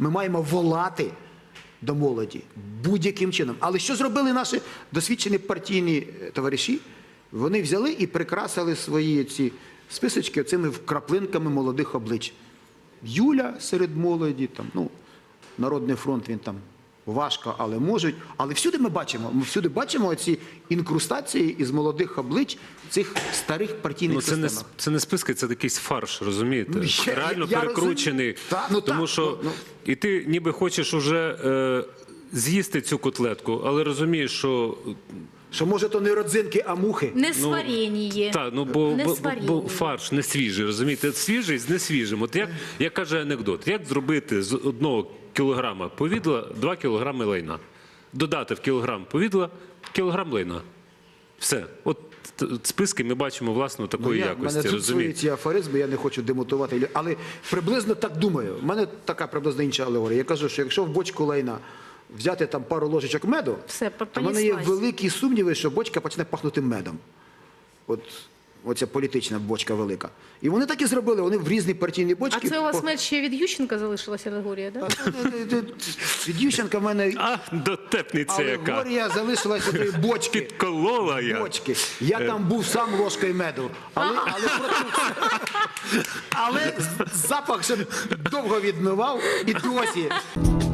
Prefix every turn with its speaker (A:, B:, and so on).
A: Ми маємо волати до молоді будь-яким чином. Але що зробили наші досвідчені партійні товариші? Вони взяли і прикрасили свої ці списочки цими вкраплинками молодих облич. Юля серед молоді, там, ну, Народний фронт, він там важко, але можуть. Але всюди ми бачимо ці інкрустації із молодих облич цих старих партійних системах.
B: Це не списки, це якийсь фарш, розумієте?
A: Ну,
B: Реально перекручений. Тому що і ти ніби хочеш уже з'їсти цю котлетку, але розумієш, що...
A: Що, може, то не родзинки, а мухи.
C: Не сварєніє.
B: Так, ну, бо фарш не свіжий, розумієте? Свіжий з несвіжим. От як каже анекдот, як зробити з 1 кілограма повідла 2 кілограми лайна? Додати в кілограм повідла кілограм лайна. Все. От списки ми бачимо, власне, такої якості,
A: розумієте? У мене тут свої ці афоризми, я не хочу демотувати, але приблизно так думаю. У мене така приблизно інша алегорія. Я кажу, що якщо в бочку лайна взяти там пару ложечок меду, то в мене є великі сумніви, що бочка почне пахнути медом. Оця політична бочка велика. І вони так і зробили, вони в різні партійні бочки.
C: А це у вас мед ще від Ющенка залишилася алегорія, так?
A: Від Ющенка в мене
B: дотепниця яка.
A: Алегорія залишилася від бочки.
B: Підколола я.
A: Бочки. Я там був сам ложкою меду. Але запах ще довго відмивав і досі.